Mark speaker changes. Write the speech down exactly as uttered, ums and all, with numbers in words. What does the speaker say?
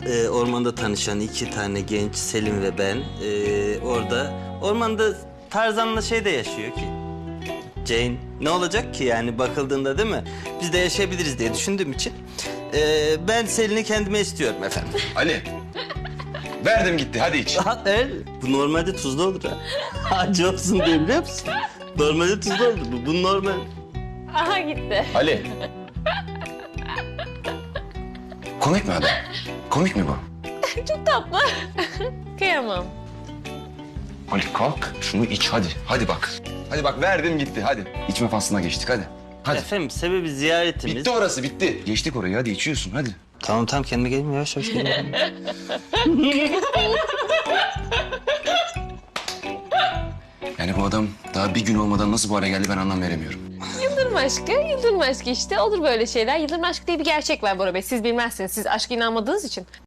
Speaker 1: e, ormanda tanışan iki tane genç, Selim ve ben. E, orada, ormanda Tarzan'la şey de yaşıyor ki. Jane, ne olacak ki yani bakıldığında, değil mi? Biz de yaşayabiliriz diye düşündüğüm için. e, ben Selin'i kendime istiyorum efendim.
Speaker 2: Ali. Verdim gitti, hadi iç.
Speaker 1: Ha, evet. Bu normalde tuzlu olur ha. Acı olsun diye, biliyor musun? Normalde tuzlu olur bu. Bu normal.
Speaker 3: Aha gitti.
Speaker 2: Ali. Komik mi adam? Komik mi bu?
Speaker 3: Çok tatlı. Kıyamam.
Speaker 2: Ali kalk, şunu iç hadi. Hadi bak. Hadi bak, verdim gitti, hadi. İçme faslına geçtik, hadi. Hadi.
Speaker 1: Efendim sebebi ziyaretimiz.
Speaker 2: Bitti orası, bitti. Geçtik orayı, hadi içiyorsun, hadi.
Speaker 1: Tamam tamam, kendime geleyim, yavaş yavaş geleyim.
Speaker 2: Yani bu adam daha bir gün olmadan nasıl bu hale geldi ben anlam veremiyorum.
Speaker 3: Yıldırım aşkı, yıldırım aşkı işte. Olur böyle şeyler. Yıldırım aşkı diye bir gerçek var Bora Bey. Siz bilmezsiniz. Siz aşka inanmadığınız için.